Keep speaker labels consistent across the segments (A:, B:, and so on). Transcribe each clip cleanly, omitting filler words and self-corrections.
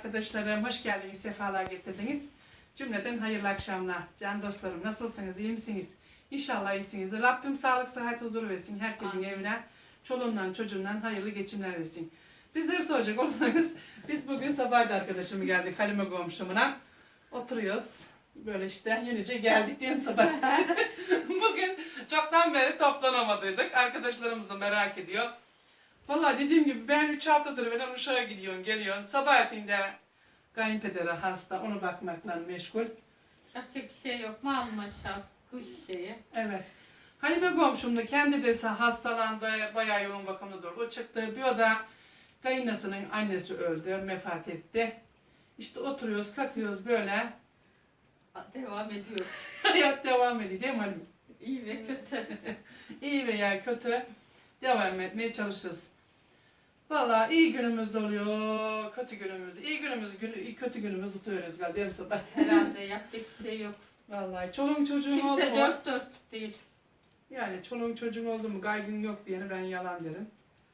A: arkadaşlarım, hoş geldiniz, sefalar getirdiniz. Cümleden hayırlı akşamlar. Can dostlarım, nasılsınız, iyi misiniz? İnşallah iyisinizdir. Rabbim sağlık, sıhhat, huzur versin. Herkesin evine, çoluğundan, çocuğundan hayırlı geçimler versin. Bizleri soracak olursanız, biz bugün sabahda arkadaşımı geldik, Halime komşumuna. Oturuyoruz. Böyle işte yenice geldik diyelim sabah. Bugün çoktan beri toplanamadıydık. Arkadaşlarımız da merak ediyor. Vallahi dediğim gibi ben 3 haftadır ben Uşak'a gidiyorum, geliyorum. Sabahleyin kayınpederi hasta, onu bakmakla meşgul.
B: Yapacak bir şey yok. Malum aşağı kuş şeyi.
A: Evet. Halime komşum da kendi de hastalandı, bayağı yoğun bakımda durdu. O çıktı, bir o da kayınlasının annesi öldü, vefat etti. İşte oturuyoruz, kalkıyoruz böyle.
B: Devam ediyor.
A: Hayat devam ediyor değil mi Halime?
B: İyi ve kötü.
A: İyi veya kötü devam etmeye çalışırız. Vallahi iyi günümüz de oluyor, kötü günümüz de. İyi günümüz, kötü günümüz tutuyoruz galiba değil mi sabah?
B: Herhalde yapacak bir şey yok.
A: Vallahi çoluğun çocuğun oldu
B: Kimse
A: mu?
B: dört dört değil.
A: Yani çoluğun çocuğun oldu mu kaygın yok diyeni ben yalan derim.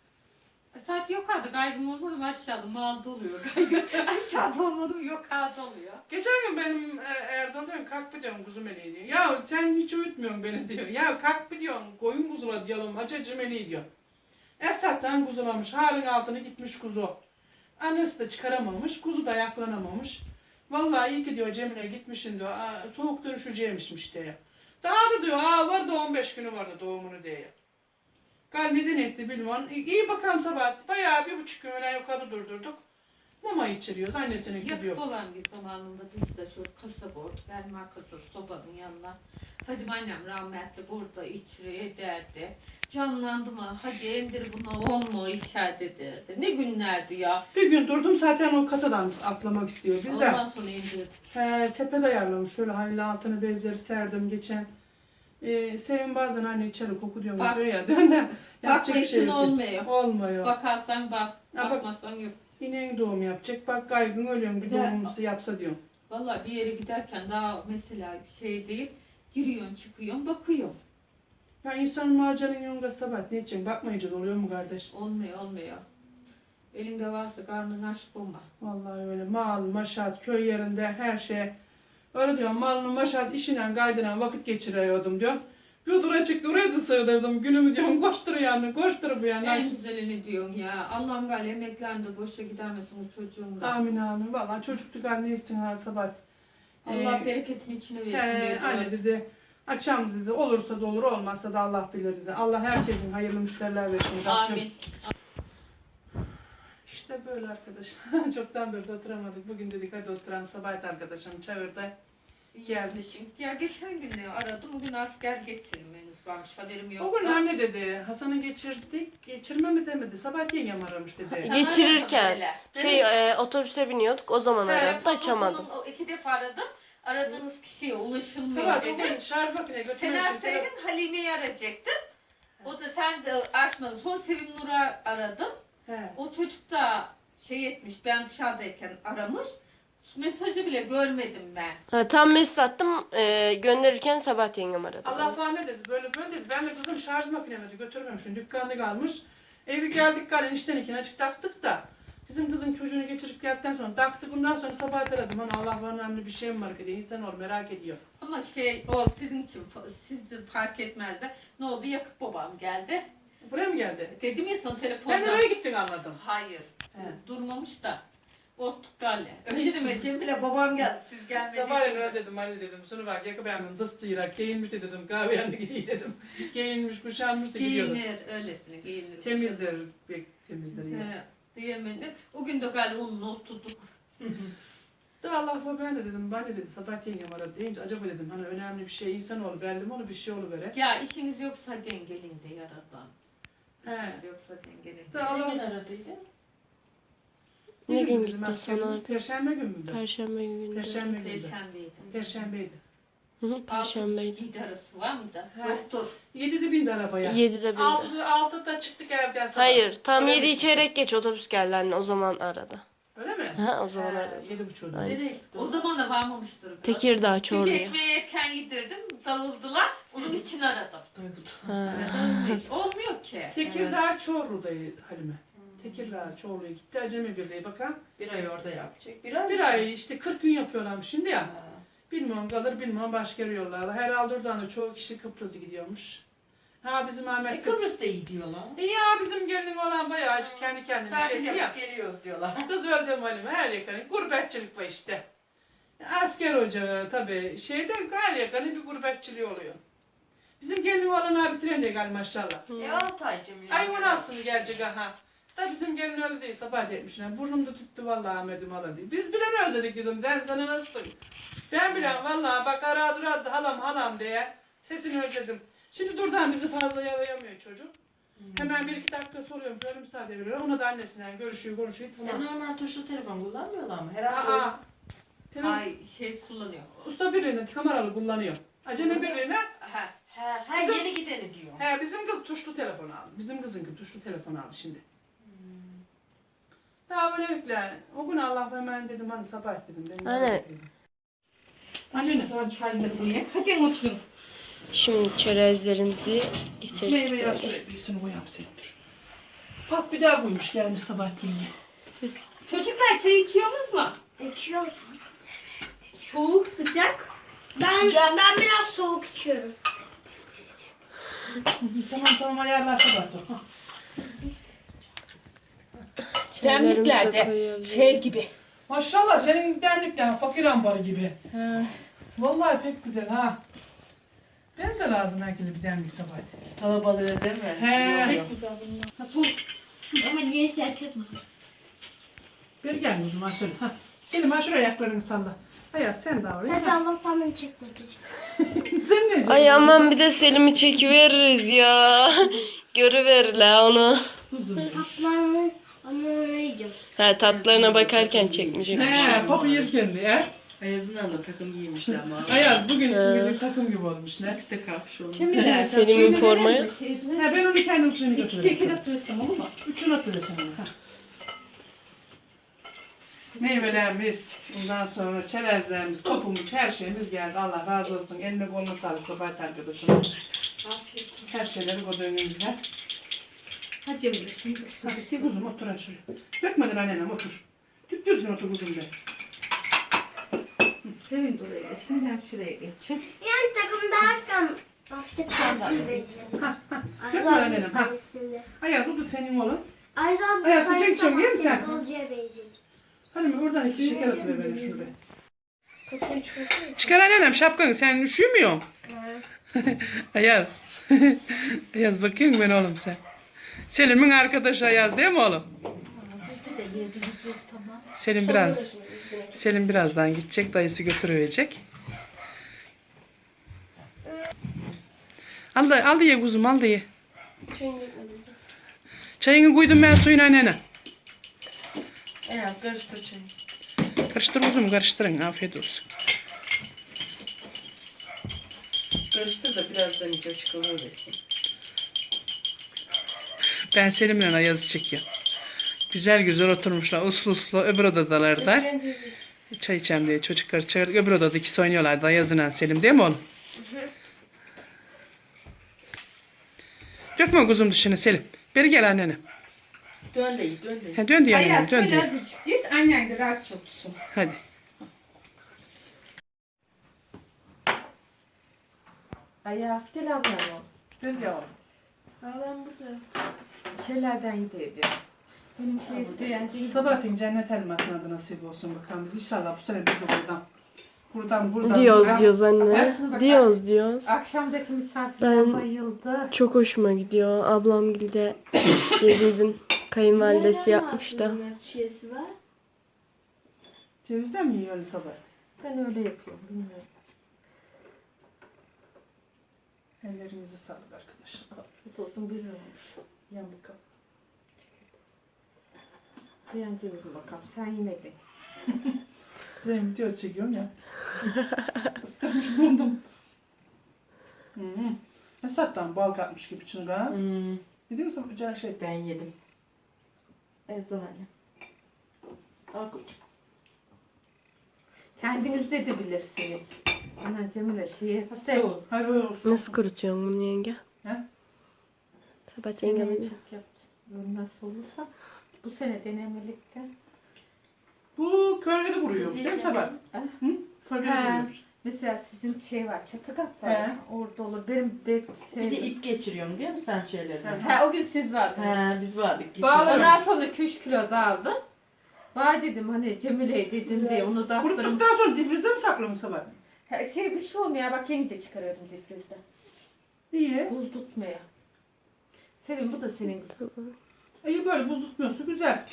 B: Saat yok adı kaygım olmadı mı aşağıda malda oluyor kaygı. Aşağıda olmadı mı yok adı oluyor.
A: Geçen gün benim Erdoğan diyorum kalk bir diyorum kuzum eli diyor. Ya sen hiç uyutmuyorsun beni diyor. Ya kalk bir diyorum koyun kuzula diyelim acı eli diyor. Esat'tan kuzulamış halin altına gitmiş kuzu. Annesi de çıkaramamış, kuzu da ayaklanamamış. Vallahi iyi ki diyor Cemile gitmişsin diyor. Soğuk dönüşeceğimişmiş diyor. Daha da diyor vardı 15 günü vardı doğumunu diyor. Gal neden etti bilmem. İyi bakalım sabah. Bayağı 1,5 gün öyle yukarı durdurduk. Mama içiriyoruz. Annesinin gidiyor.
B: Yakıp olan bir zamanında biz de şu kasaba orada benim arkası sobanın yanına. Hadi annem rahmetli burada içri ederdi. Canlandı mı? Hadi indir bunu olma içeride derdi. Ne günlerdi ya.
A: Bir gün durdum zaten o kasadan atlamak istiyor. Biz de
B: Ondan sonra indirdik.
A: sepet ayarlamış. Şöyle hayli altını bezleri serdim geçen. Sevim bazen anne içeri koku diyor
B: Bak.
A: ya. Dön de
B: Bakma işin
A: yok.
B: olmuyor.
A: Olmuyor.
B: Bakarsan bak,
A: Ha, bak.
B: bakmazsan yok.
A: İneğin doğum yapacak. Bak kaygın ölüyorum bir
B: Bir de-
A: doğumumuzu yapsa diyorum.
B: Vallahi bir yere giderken daha mesela şey değil, giriyorsun çıkıyorsun bakıyorsun.
A: Ya insanın maceranın yolunda sabah ne için bakmayınca da oluyor mu kardeş?
B: Olmuyor. Elinde varsa karnın aç olma.
A: Vallahi öyle mal, maşat, köy yerinde her şey. Öyle diyorum malını maşat işine kaydıran vakit geçiriyordum diyor. Bir odura çıktı oraya da sığdırdım. Günümü diyorum koştur bu yana.
B: En güzelini diyorsun ya. Allah'ım gal emeklendi boşa gidermesin o çocuğun da.
A: Amin amin. Vallahi çocukluk anne etsin ha sabah.
B: Allah bereketin içine versin diyor.
A: Anne dedi. Akşam dedi olursa da olur olmazsa da Allah bilir dedi. Allah herkesin hayırlı müşteriler versin. Rabbim.
B: Amin.
A: İşte böyle arkadaşlar. Çoktan beri de oturamadık. Bugün dedik hadi oturalım. Sabah arkadaşım çağırdı. Geldik.
B: Ya geçen gün de aradım. Bugün asker geçirim henüz varmış haberim yok.
A: O gün anne dedi. Hasan'ı geçirdik. Geçirme mi demedi. Sabah yengem aramış dedi.
C: Geçirirken otobüse biniyorduk o zaman aradı da açamadım.
B: O 2 defa aradım. Aradığınız kişiye ulaşılmıyor
A: Sabah o
B: dedi.
A: gün şarj makine götürmek
B: Sen
A: için.
B: açsaydın Halime'yi arayacaktım. O da sen de açmadın. Son Sevim Nur'a aradım.
A: He.
B: O çocuk da şey etmiş, ben dışarıdayken aramış. Mesajı bile görmedim ben.
C: Tam mesaj attım gönderirken Sabahat yengem aradı.
A: Allah falan ne dedi. Böyle dedi. Ben de kızım şarj makinemi götürmemişim. Dükkanda kalmış. Evi geldik galen işten ikine açık taktık da. Bizim kızın çocuğunu geçirip geldikten sonra taktık. Bundan sonra sabah aradım. Hani Allah var önemli bir şey mi var ki diye insan olur merak ediyor.
B: Ama o sizin için, siz de fark etmez de. Ne oldu? Yakıp babam geldi.
A: Buraya mı geldi?
B: Dedim ya sana telefonda.
A: Ben oraya gittin anladım.
B: Hayır.
A: He.
B: Durmamış da. Ottuk galle. Öyle deme Cemile babam geldi. Siz gelmediniz.
A: Sabahleyin öyle dedim Ali dedim. Sonra bak yakı beğendim dыстıyla giyinmiş de dedim. Kahve yanına gidiyor dedim. Giyinmiş kuşanmış da gidiyordu.
B: Giyinir öylesine giyinir.
A: Temizler. Temizler iyi.
B: He, diyemedim. O gün de galle onunla oturduk.
A: Da Allah var ben de dedim. Ben de dedim sabah yengem aradı deyince acaba dedim hani önemli bir şey insan olur belli mi olur bir şey oluvere.
B: Ya işiniz yoksa dengelin de yaradan.
A: He.
B: İşiniz yoksa dengelin.
A: Da Allah
D: aradıydı?
C: Ne gün
A: bizim
C: gitti
A: askerimiz?
C: sana?
A: Perşembe günü müydü?
C: Perşembe günü.
A: Perşembe günü.
B: Perşembeydi.
A: Perşembeydi.
C: Perşembeydi.
B: 6.30-7 arası var mı da?
A: He.
B: Yoktur.
A: 7'de bindi arabaya.
C: 7'de bindi.
A: 6'da çıktık evden sabah.
C: Hayır tam
A: Öyle
C: 7
A: bir şey.
C: çeyrek geç otobüs geldi anne o zaman aradı.
A: Öyle mi?
C: Ha o zaman aradı.
A: 7.30'da.
C: Aynen.
D: Nereye gitti?
B: O zaman da varmamıştır. biraz.
C: Tekirdağ
B: Çünkü
C: Çorlu'ya.
B: ekmeği erken yedirdim. Dağıldılar. Onun için aradım.
A: Duydum.
C: Ha.
B: Evet, olmuyor. Olmuyor ki.
A: Tekirdağ Çorlu'daydı Halime. Tekirdağ Çoğlu'ya gitti. Acemi Birliği bakan.
D: Bir ay orada yapacak.
A: Bir ay işte 40 gün yapıyorlarmış şimdi ya.
D: Ha.
A: Bilmiyorum kalır bilmiyorum başka yere yollarlar. Herhalde oradan da çoğu kişi Kıbrıs'a gidiyormuş. Ha bizim Ahmet
D: Kıbrıs'ta iyi diyorlar.
A: Ya bizim gelinin olan bayağı açık kendi kendine şey
D: Tatil
A: diyor ya.
D: yapıp geliyoruz diyorlar.
A: Kız öldü malum her yakın gurbetçilik var işte. Asker ocağı tabii şeyde her yakın bir gurbetçiliği oluyor. Bizim gelinin olan abi trende gel maşallah.
D: 6 ay Cemile.
A: Ay 16'sını gelecek aha. Da bizim gelin öyle değil sabah etmişler. Burnumda tuttu vallahi Ahmet'im hala diye. Biz bile ne özledik dedim. Ben sana nasılsın? Ben bile vallahi bak ara duradı halam diye. Sesini özledim. Şimdi durdan bizi fazla yalayamıyor çocuk. Hemen 1-2 dakika soruyorum. Şöyle müsaade veriyor. Ona da annesinden görüşüyor konuşuyor. Tamam.
D: Normal tuşlu telefon kullanmıyorlar mı? Herhalde.
A: Aa, telefon-
B: Ay şey kullanıyor.
A: usta birliğine kameralı kullanıyor. Acemi birliğine Bizim-
D: Yeni gideni diyor.
A: bizim kız tuşlu telefon aldı. Bizim kızın tuşlu telefon aldı şimdi. Daha böylelikle o gün Allah hemen dedim hani sabah dedim. Benim
C: Anne.
A: Anne.
B: Sonra çayları koyayım. Hadi oturun.
C: Şimdi çerezlerimizi getirdik.
A: Meyve yağı
C: böyle.
A: süreklisini koyalım senin dur. Bak bir daha koymuş gelmiş sabah yenge.
B: Çocuklar çay içiyorsunuz mu?
E: İçiyoruz.
B: Soğuk sıcak.
E: Ben biraz soğuk içiyorum.
A: Tamam ayarlar sabah dur.
C: Çaylarımızı da
B: Demliklerde
C: koyuyoruz.
B: şey gibi.
A: Maşallah senin derlikten fakir ambarı gibi. Vallahi pek güzel ha. Ben de lazım herkese bir demlik sabah.
D: Kalabalığı değil mi?
A: He.
D: Yok.
B: Güzel bunlar. Ha, soğuk.
E: Ama niye herkes mi?
A: Bir gel o zaman şöyle. Ha. Selim ha şuraya ayaklarını salla. Hayat sen de oraya.
E: Hadi
A: Ha.
E: Allah'tan beni çekmedi.
A: Sen ne diyeceksin?
C: Ay aman bir de Selim'i çekiveririz ya. Görüver la onu.
A: Kuzum.
E: Tatlarını ama yiyeceğim.
C: Ha tatlarına bakarken çekmeyecek.
A: He, papu yerken diye.
D: Ayaz'ın da takım giymişler ama.
A: Ayaz bugün bizim takım gibi olmuş ne?
D: İkisi de kapşonlu.
B: Kim bilir?
C: Selim'in formaya.
A: Ha, ben onu kendim suyunu
B: İki şeker
A: götürürüm.
B: atıyorsun olur mu?
A: Üçünü atıversen ona. Ha. Meyvelerimiz, ondan sonra çerezlerimiz, topumuz, her şeyimiz geldi. Allah razı olsun. Eline koluna sağlık Sabahat arkadaşım.
B: Afiyet olsun.
A: Her şeyleri koydu önümüze.
B: Hadi Emre şimdi.
A: Hadi kuzum otur ha şöyle. Dökmedin annenem otur. Düzgün otur kuzum de.
B: Sevin oraya geçin. Ben şuraya geçeyim.
E: Yani takım derken basket takım vereceğim.
A: Dökme annenem ha. Ayaz o da senin oğlun. Ayaz, sıcak içiyorsun, değil mi sen?
E: Futbolcuya benziyor.
A: Hadi mi oradan 2 şeker atıver bana şuraya. Çıkar annenem şapkanı sen üşümüyorsun. Ayaz. Ayaz bakayım ben oğlum sen. Selim'in arkadaşı Ayaz değil mi oğlum?
B: Bir de yedireceğiz tamam.
A: Selim birazdan gidecek dayısı götürüverecek. Al da ye kuzum al da ye. Çayını koydum ben suyuna annene.
D: Evet karıştır çayı.
A: Karıştır kuzum karıştırın afiyet olsun.
D: Karıştır da birazdan iyice çıkarıversin.
A: Ben Selim'le Ayaz'ı çekiyorum. Güzel güzel oturmuşlar uslu uslu öbür odadalarda. Çay içeceğim diye çocuklar çağırdık. Öbür odada ikisi oynuyorlardı Ayaz'la Selim değil mi oğlum? Dökme kuzum dışını Selim. Beri gel annene.
D: Dön de iyi, dön de iyi.
A: Ha, dön diye annenem
B: Hayat
A: dön
B: şöyle
A: diye.
B: azıcık git. Annen de rahat çalışsın.
A: Hadi.
B: Hayat gel ablam.
A: Dön yavrum.
B: Ablam burada. Şeylerden yiyeceğim. Benim şey isteyen değil.
A: Sabahleyin cennet elmasına da nasip olsun bakalım biz inşallah bu sene biz de buradan
C: Diyoruz anne. Diyoruz.
B: Akşamdaki misafirler
C: Ben-
B: bayıldı.
C: Çok hoşuma gidiyor. Ablam de yediydim. Kayınvalidesi yapmış da.
E: Şişesi var.
A: Cevizden mi yiyor öyle sabah?
B: Ben öyle yapıyorum bilmiyorum.
A: Ellerinizi sağlık arkadaşlar.
B: Afiyet olsun bir olmuş.
A: Yan bakalım.
B: Beğendiniz mi bakalım? Sen yemedin.
A: Zeynep video çekiyorum ya. Isırmış bulundum. Esat'tan bal katmış gibi çınga. Biliyor musun bu can şey?
D: Ben yedim. Ezan anne. Al koçum.
B: Kendiniz de bilirsiniz. Ana Cemile şey
A: Soğuk. Hayır olsun.
C: Nasıl kurutuyorsun bunu yenge?
A: He?
C: Sabah yenge alınca.
B: Böyle nasıl olursa. Bu sene denemelikte.
A: Bu kölgede kuruyormuş değil mi Sabah? Hı? Kölgede
B: He.
A: kuruyormuş.
B: Mesela sizin şey var, çatı kat
A: He.
B: var. Orada olur. Benim de şey.
D: Bir de ip geçiriyorsun değil mi sen şeylerden?
B: He, o gün siz vardınız.
D: He biz vardık.
A: Bağlı-
B: Ondan sonra 2-3 kilo da aldım. Vay dedim hani Cemile'ye dedim diye onu da attırım.
A: Kuruttuktan sonra difrizde mi saklıyorsun Sabah?
B: Şey bir şey olmuyor bak yenice çıkarıyordum difrizden.
A: İyi.
B: Buz tutmaya. Sevim bu da senin.
A: İyi böyle buz tutmuyorsa güzel.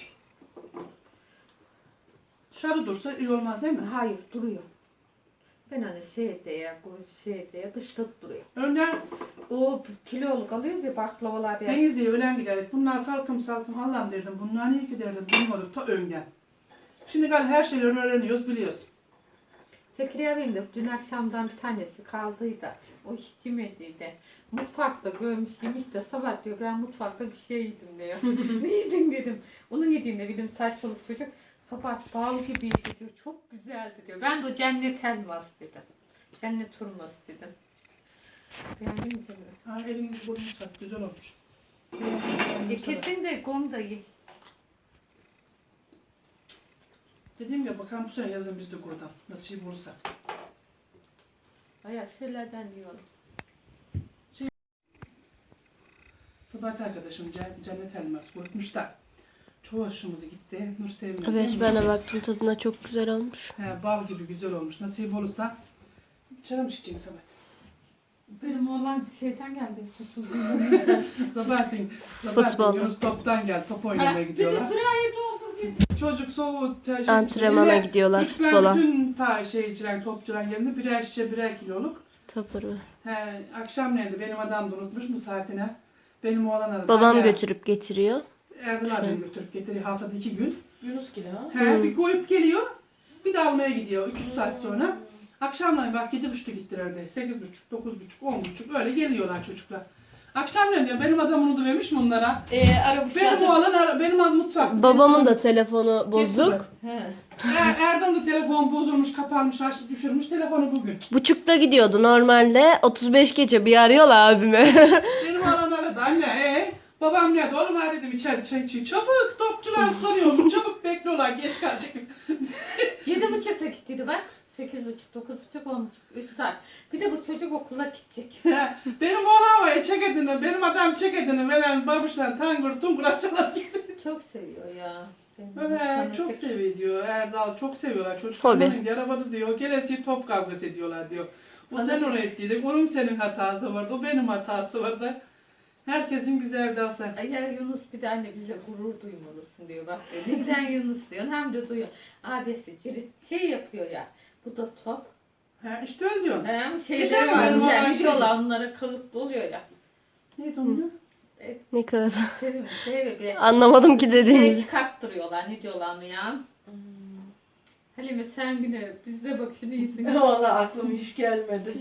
A: Dışarıda dursa iyi olmaz değil mi?
B: Hayır duruyor. Ben hani şeyde ya bu şeyde ya dışta duruyor.
A: Önden
B: O kiloluk alıyoruz ya baklavalar ya.
A: Denizli'ye öğlen giderdik. Bunlar salkım salkım Allah'ım derdim. Bunlar niye ki derdim. Bilmiyorduk ta önden. Şimdi gal her şeyleri öğreniyoruz biliyoruz.
B: Zekeriya Bey'in de dün akşamdan bir tanesi kaldıydı. O hiç yemediydi. Mutfakta görmüş yemiş de sabah diyor ben mutfakta bir şey yedim diyor. Ne yedin dedim. Onun yediğinde bildim saçmalık çocuk. Sabah bal gibiydi diyor. Çok güzeldi diyor. Ben de o cennet elmas dedim. Cennet hurması dedim. Beğendin mi Cemile?
A: Ha, elinizi burnunu sak. Güzel olmuş.
B: Kesin de gom da iyi.
A: Dediğim gibi bakalım bu sene yazın biz de buradan. Nasip olursa.
B: Bayağı şeylerden yiyorum.
A: Sabah arkadaşım cennet elması koymuş da. Çoğu hoşumuza gitti. Nur sevmedi.
C: Evet ben de baktım tadına çok güzel olmuş.
A: He, bal gibi güzel olmuş. Nasip olursa dışarı mı çıkacaksın Sabah?
B: Benim oğlan şeyden geldi.
A: Sabahleyin
C: Futbol.
A: Yunus toptan gel. Top oynamaya gidiyorlar.
B: sırayı doldur bir.
A: Çocuk soğuğu
C: Antrenmana gidiyorlar,
A: çocuklar
C: futbola.
A: bütün içilen topçuların yerine birer şişe birer kiloluk.
C: Tapır mı?
A: He, akşamleyin benim adam da unutmuş mu saatine. Benim oğlan aradı.
C: Babam
A: Anne,
C: götürüp getiriyor.
A: Erdal abi beni götürüp getiriyor haftada 2 gün.
D: Yunus gibi ha.
A: He, bir koyup geliyor. Bir de almaya gidiyor 2 saat sonra. Akşamleyin bak 7.30'da gittiler de. 8.30, 9.30, 10.30 öyle geliyorlar çocuklar. Akşamleyin diyor benim adam unutuvermiş mi onlara? Benim oğlan benim adım mutfak.
C: Babamın da telefonu bozuk.
A: Erdal da telefon bozulmuş, kapanmış, açtı düşürmüş telefonu bugün.
C: Buçukta gidiyordu normalde. 35 gece bir arıyorlar abime.
A: Benim oğlan aradı anne babam geldi oğlum hadi dedim içeri çay içi. Çabuk topçular ıslanıyor. Çabuk bekliyorlar geç kalacak.
B: 7.30'da gittiydi bak. 8.30, 9.30 olmuş. 3 saat. Bir de bu çocuk okula gidecek.
A: Benim oğlan var ya çekedini, benim adam çekedini veren babuşlar tangır tungur aşağıdan gitti.
B: Çok seviyor ya.
A: Evet çok seviyor diyor Erdal çok seviyorlar çocuklar.
C: Hobi.
A: Onun arabada diyor gelesi top kavgası ediyorlar diyor. O sen onu ettiydin, onun senin hatası vardı, o benim hatası vardı. Herkesin bize Erdal'sa.
B: Eğer Yunus bir de anne bize gurur duymalısın diyor. Bak diyor. Ne güzel Yunus diyor. Hem de duyuyor. Abisi şey yapıyor ya. Bu da top.
A: Ha işte öyle diyor.
B: Hem
A: Geçen
B: şeyler
A: gün
B: var.
A: benim oğlan
B: Yani
A: şey-
B: diyorlar onlara kalıplı oluyor ya.
A: Neydi onun?
C: Ne kadar.
B: Sevim.
C: Anlamadım ki
B: Şey
C: dediğinizi.
B: çıkarttırıyorlar. Ne diyorlar onu ya? Halime sen yine bizde bak şimdi iyisin.
D: Valla aklıma hiç gelmedi.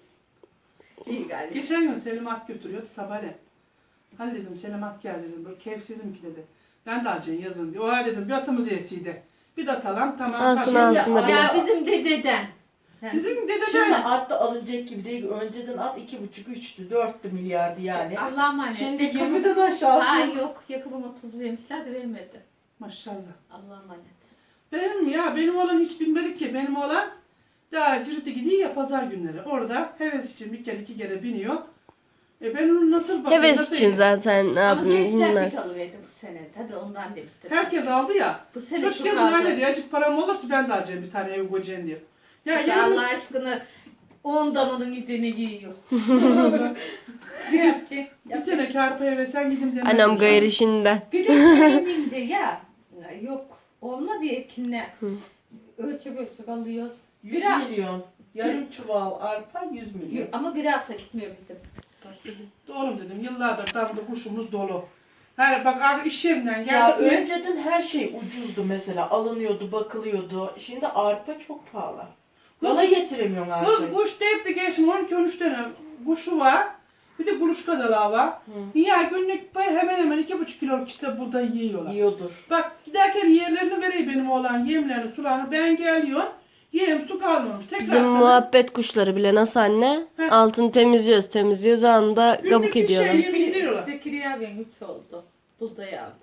B: İyi galiba.
A: Geçen gün Selim At götürüyordu sabahleyin. Hani dedim Selim At gel dedim, böyle keyifsizim ki dedi. Ben de alacaksın yazın diyor. O dedim bir atımız yesiydi. Bir de atalım tamam.
C: Alsın,
A: kaç-
C: alsın da
B: Ya bizim dededen.
A: Sizin
D: Şimdi
A: dededen
D: at da alınacak gibi değil. Önceden at 2,5-3'tü, 4'tü milyardı yani.
B: Allah'a emanet.
D: Şimdi 20'den aşağı.
B: Ha yok yakımım 30 vermişler de vermedi.
A: maşallah.
B: Allah'a emanet.
A: Benim oğlan hiç bilmedi ki. Benim oğlan daha Cirit'e gidiyor ya pazar günleri. Orada heves için bir kere iki kere biniyor. Ben onu nasıl bakayım?
C: Heves
A: nasıl
C: için zaten ne
B: Ama
C: yapayım
B: gençler
C: bilmez.
B: bir alıverdi bu sene. Tabii ondan demiştim.
A: Herkes aldı ya.
B: Bu sene
A: Çocuk
B: çok
A: yazın
B: aldı.
A: anne diyor. Azıcık param olursa ben de alacağım bir tane ev koyacağım diyor. Ya
B: Ya
A: yarın
B: Allah aşkına ondan onun gideni giyiyor. Ne yapacak?
A: bir tane kârpa eve sen gidin demez.
C: Annem gayır işinden.
B: Bir de sayeminde ya. Yok. Olmadı ekinle.
C: Hı.
B: Ölçek alıyoruz.
D: 100 milyon. Yarım çuval arpa 100 milyon.
B: Ama bir hafta gitmiyor bizim.
A: Oğlum dedim yıllardır damda kuşumuz dolu. Hayır bak iş yerinden
D: Ya
A: geldik mi?
D: önceden her şey ucuzdu mesela. Alınıyordu, bakılıyordu. Şimdi arpa çok pahalı. Bana getiremiyorsun
A: Kız
D: artık.
A: kuş deyip de geçtim 12-13 tane kuşu var. Bir de kuluçka da var.
D: Hı.
A: Ya günlük hemen hemen 2,5 kiloluk işte buğday yiyorlar.
D: Yiyordur.
A: Bak giderken yerlerini vereyim benim oğlan yemlerini sularını ben geliyorum. Yem su kalmamış. Tekrar
C: Bizim muhabbet kuşları bile nasıl anne?
A: Heh.
C: Altını temizliyoruz anda
A: Günlük
C: kabuk
A: bir
C: ediyorlar.
A: şey yem gidiyorlar.
B: Zekeriya ben 3 oldu. Buğday aldı.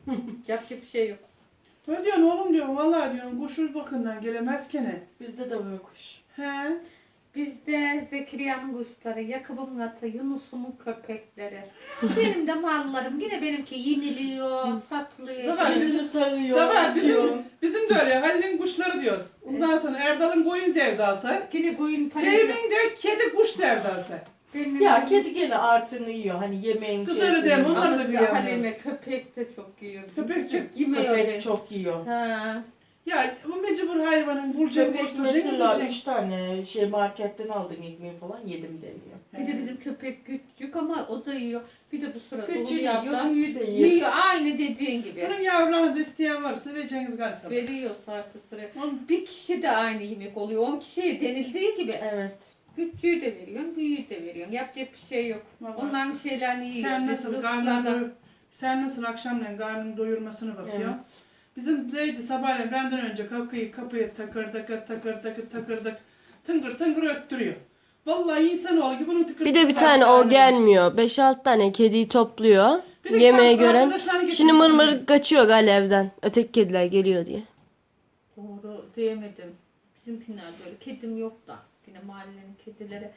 B: Yapacak bir şey yok.
A: Öyle diyorsun oğlum diyorum. Vallahi diyorum kuşuz bakımdan gelemez kene.
D: Bizde de var kuş.
A: He.
B: Bizde Zekeriya'nın kuşları, Yakup'un atı, Yunus'umun köpekleri. Benim de mallarım. Yine benimki yeniliyor, satılıyor.
A: Zaten
D: Bizi sayıyor.
A: Sabah
D: atıyor.
A: bizim de öyle Halil'in kuşları diyoruz. Ondan sonra Erdal'ın koyun sevdası.
B: Yine koyun parası.
A: Sevim'in de kedi kuş sevdası.
B: Benim
D: Ya kedi gene artını yiyor. Hani yemeğin
A: Kız
D: şeysini
A: öyle deme,
D: yiyor.
A: onlar da
B: Ama
A: kıyamıyoruz.
B: Halime köpek de çok yiyor.
A: Köpek çok-
B: yemiyor.
D: Köpek çok yiyor.
B: Ha.
A: Ya bu mecbur hayvanın burcu
D: Köpek
A: koşturacak
D: mesela
A: gidecek.
D: 3 tane marketten aldın ekmeği falan yedim demiyor.
B: Bir de bizim köpek küçük ama o da yiyor. Bir de bu sırada
D: Küçüğü
B: onu
D: yiyor,
B: yaptı.
D: büyüğü de yiyor.
B: Yiyor aynı dediğin gibi.
A: Bunun yavrularını da isteyen varsa vereceğiniz galiba.
B: Veriyor saati süre.
A: Onun-
B: Bir kişi de aynı yemek oluyor. 10 kişiye denildiği gibi.
D: Evet.
B: Küçüğü de veriyorsun, büyüğü de veriyorsun. Yapacak bir şey yok.
A: Vallahi.
B: Onların şeylerini yiyor.
A: Sen
B: Biz
A: nasıl
B: Ruslardan-
A: sen nasıl akşamleyin karnını doyurmasını bakıyor.
D: Evet.
A: Bizim neydi sabahleyin benden önce kapıyı takırdık tıngır tıngır öttürüyor. Vallahi insanoğlu gibi bunun tıkır
C: Bir de bir tane o gelmiyor. 5-6 tane kediyi topluyor.
A: Bir de
C: Yemeğe
A: kendi
C: gören.
A: arkadaşlarını
C: Şimdi
A: getiriyor.
C: mırmır kaçıyor galiba evden. Öteki kediler geliyor diye.
B: Doğru diyemedim. Bizimkiler böyle. Kedim yok da. Yine mahallenin kedileri.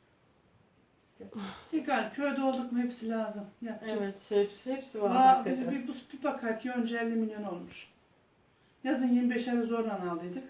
A: Egal köyde olduk mu hepsi lazım. Yapacak.
D: Evet, hepsi var.
A: Valla bizi
D: hakikaten.
A: bir bakar ki önce 50 milyon olmuş. Yazın 25'leri zorla aldıydık.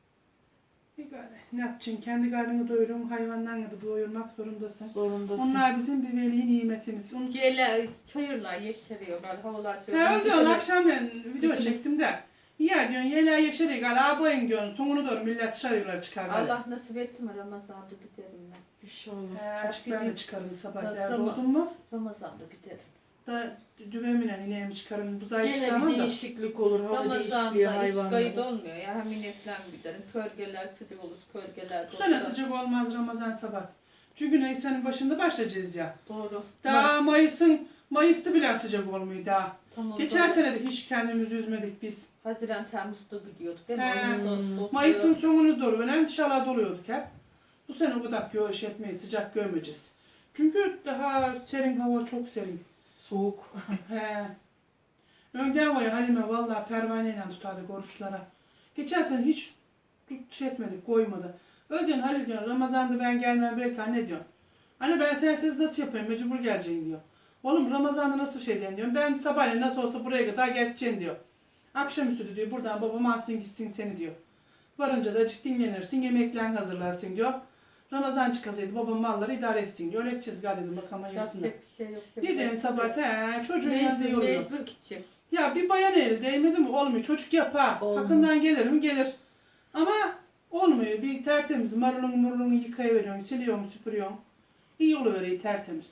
A: Egal ne yapacaksın? Kendi karnını doyurun, hayvanlarını da doyurmak zorundasın.
D: Zorundasın.
A: Onlar bizim bir veli nimetimiz. Onu
B: Gele çayırlar yeşeriyor böyle havalar çok.
A: he öyle diyorsun akşamleyin video çektim de. Ya diyorsun yela yeşeri gal abayın diyorsun. Sonunu doğru millet dışarılara çıkar. böyle.
B: Allah nasip etti mi Ramazan'da giderim ben.
D: İnşallah.
A: He açık ben de çıkarım sabah
B: Tamam.
A: derdi oldun mu?
B: Ramazan'da giderim.
A: Da düvemine ineğimi çıkarım. Buzayı
D: Gene
A: çıkarmam
D: bir
A: da.
D: değişiklik olur. Hava değişikliği
B: Ramazan'da iş kayıt
D: hayvanlara.
B: olmuyor ya. Hem inekten giderim. Kölgeler sıcak olur. Kölgeler
A: Bu sene
B: doğru.
A: sıcak olmaz Ramazan sabah. Çünkü Nisan'ın başında başlayacağız ya.
B: Doğru.
A: Daha Mayıs'ta bile sıcak olmuyor daha.
B: Tamam,
A: Geçen
B: doğru.
A: sene de hiç kendimizi üzmedik biz.
B: Haziran Temmuz'da gidiyorduk değil mi?
A: He.
B: Ağustos,
A: Mayıs'ın sonunu doğru ölen dışarıda doluyorduk hep. Bu sene o kadar yoğuş etmeyi sıcak görmeyeceğiz. Çünkü daha serin hava çok serin.
D: Soğuk.
A: He. Önden var ya Halime vallahi pervaneyle tutardık oruçlara. Geçen sene hiç etmedik, koymadı. Öyle diyorsun Halil diyorsun, Ramazan'da ben gelmem belki anne diyor. Anne ben sensiz nasıl yapayım, mecbur geleceğim diyor. Oğlum Ramazan'da nasıl şey diyorum, ben sabahleyin nasıl olsa buraya kadar geçeceğim diyor. Akşamüstü diyor, buradan babam alsın gitsin seni diyor. Varınca da açık dinlenirsin, yemeklerini hazırlarsın diyor. Ramazan çıkasaydı babam malları idare etsin diyor. Öğreteceğiz galiba bakalım hayırlısına.
B: Yapacak bir şey yok.
A: Gidin sabah çocuğun yanında
B: Mecbur,
A: yoruyor.
B: mecbur gidecek.
A: Ya bir bayan eli değmedi mi olmuyor. Çocuk yapar.
D: Olmaz.
A: Hakkından gelir mi gelir. Ama olmuyor. Bir tertemiz marulunu yıkayıveriyorsun, siliyorsun, süpürüyorsun. İyi oluveriyor tertemiz.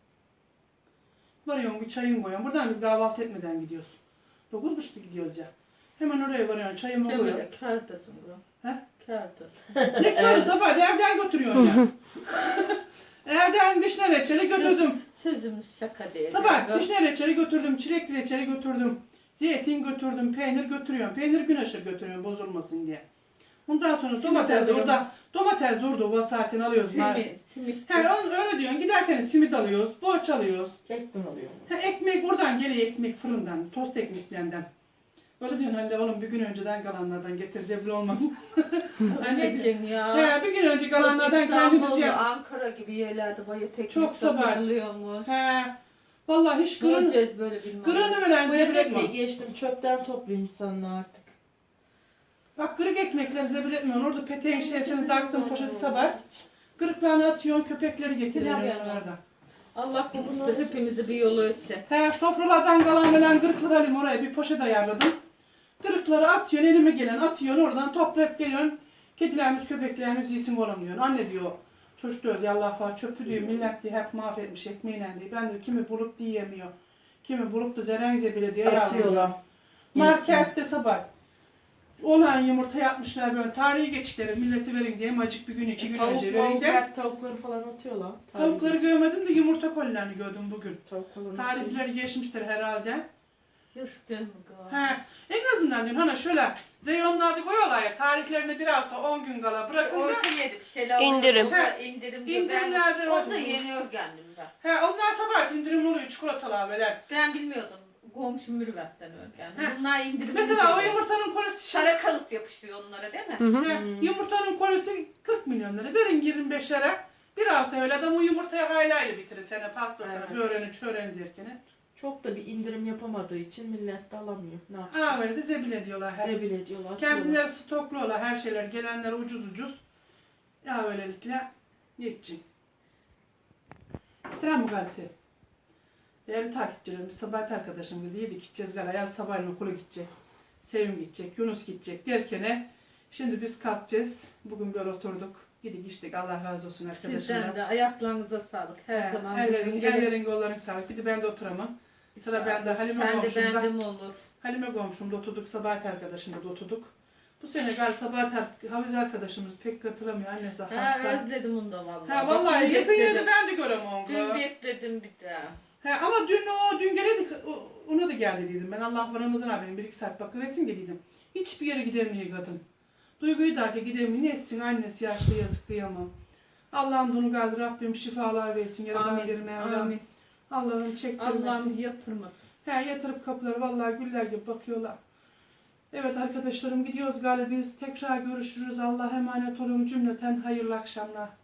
A: Varıyorsun bir çayın koyuyorsun. Buradan biz kahvaltı etmeden gidiyoruz. 9.30'da gidiyoruz ya. Hemen oraya varıyorsun çayımı koyuyorsun.
B: Şöyle kârdasın bro.
A: He?
B: Kârdasın.
A: Ne kadar sabah da evden götürüyorsun ya. Evden vişne reçeli götürdüm.
B: Sözümüz şaka değil.
A: Sabah
B: Yani.
A: vişne reçeli götürdüm, çilekli reçeli götürdüm. Zeytin götürdüm, peynir götürüyorum. Peynir gün aşırı götürüyorum bozulmasın diye. Ondan sonra domates de orada, domates de orada o saatin alıyoruz.
B: Simit.
A: He, öyle diyorsun. Giderken simit alıyoruz, borç alıyoruz.
D: Ekmek alıyor.
A: He, ekmek oradan geliyor, ekmek fırından, tost ekmeklerinden. Öyle diyorsun Halil oğlum bir gün önceden kalanlardan getir zebri olmasın.
B: Anneciğim ya.
A: He, bir gün önce kalanlardan kendimiz
B: İstanbul,
A: yap.
B: Ankara gibi yerlerde bayat ekmek
A: Çok sabah.
B: satılıyormuş.
A: He. Vallahi hiç kırın,
B: Göreceğiz böyle bilmem.
A: kırını veren
D: Bu
A: zebri etmem.
D: ekmeği geçtim çöpten topluyor insanlar artık.
A: Bak kırık ekmekleri zebil etmiyorsun. Orada peteğin şeysini taktın poşeti sabah. Kırıklarını atıyorsun, köpekleri getiriyorsun
B: Pilav
A: onlarda.
B: Allah korusun da hepimizi bir yolu etsin.
A: He, sofralardan kalan falan kırıkları alayım oraya bir poşet ayarladım. Kırıkları atıyorsun, elime gelen atıyorsun, oradan toplayıp geliyorsun. Kedilerimiz, köpeklerimiz yesin oğlum diyorsun. Anne diyor, çocuk diyor ya Allah var çöpü diyor, millet diyor hep mahvetmiş ekmeğiyle diyor. Ben diyor kimi bulup diyemiyor. Kimi bulup da zerengize bile diyor
D: Atıyorlar.
A: Markette sabah. Olan yumurta yapmışlar böyle tarihi geçikleri millete verin diye acık bir gün iki gün önce verin de.
D: Tavukları falan atıyorlar.
A: Tavukları görmedim de yumurta kolilerini gördüm bugün.
D: Tavuk falan
A: Tarihleri geçmiştir herhalde.
B: Yürüdün mü kız?
A: He, en azından diyorum hani şöyle reyonlarda koyuyorlar ya tarihlerine bir hafta 10 gün kala bırakın da.
B: Orta yedik şeyler
C: İndirim.
B: oluyor, orada indirim diyor.
A: İndirimlerde
B: Ben, onu da
A: oluyor.
B: yeniyor kendimden.
A: He, ondan sabah indirim oluyor çikolatalar böyle.
B: Ben bilmiyordum. komşu mürüvvetten örgen.
A: Heh.
B: Bunlar indirim.
A: Mesela o yumurtanın kolisi
B: şara kalıp yapışıyor onlara değil mi?
C: Hı hı.
A: Yumurtanın kolisi 40 milyon lira. Verin 25'lere. Bir hafta öyle adam o yumurtayı haylayla bitirir sene pastasını,
D: Evet.
A: böreğini, çöreğini derken.
D: Çok da bir indirim yapamadığı için millet de alamıyor. Ne yapsın?
A: Ha böyle de zebil ediyorlar.
D: Zebil ediyorlar. atıyorlar.
A: Kendileri stokluyorlar her şeyler. Gelenler ucuz ucuz. Ya böylelikle geçecek. Bitiren bu galisi. Değerli takipçilerimiz, sabah arkadaşım dedi. Yedik gideceğiz gala. Yaz sabahleyin okula gidecek. Sevim gidecek, Yunus gidecek derken şimdi biz kalkacağız. Bugün böyle oturduk. Gidik içtik. Allah razı olsun arkadaşımlar.
B: Sizden de ayaklarınıza sağlık. Her zaman.
A: Ellerin kolların sağlık. Bir de ben de oturamam. Sıra bende. Halime
B: Sen de
A: komşumda.
B: bende mi olur?
A: Halime komşumda oturduk. Sabahat arkadaşımda da oturduk. Bu sene galiba Sabahat Hafize arkadaşımız pek katılamıyor. Annesi hasta.
B: Ha özledim onu da vallahi.
A: Ha vallahi
B: Dün
A: yakın yeri
B: bekledim.
A: ben de göremem.
B: Dün bekledim bir daha.
A: He, ama dün geleydik, ona da geldi dedim. Ben Allah Ramazan abim 1-2 saat bakıversin dedim. Hiçbir yere gidemiyor kadın. Duyguyu da ki gidemiyor. Ne etsin annesi yaşlı yazık kıyamam. Allah'ım bunu kaldır Rabbim şifalar versin. Yaradan birine
B: Amin.
A: Allah'ım çektirmesin.
B: Allah'ım yatırmasın.
A: He yatırıp kapıları vallahi güller gibi bakıyorlar. Evet arkadaşlarım gidiyoruz galiba biz. Tekrar görüşürüz. Allah'a emanet olun cümleten hayırlı akşamlar.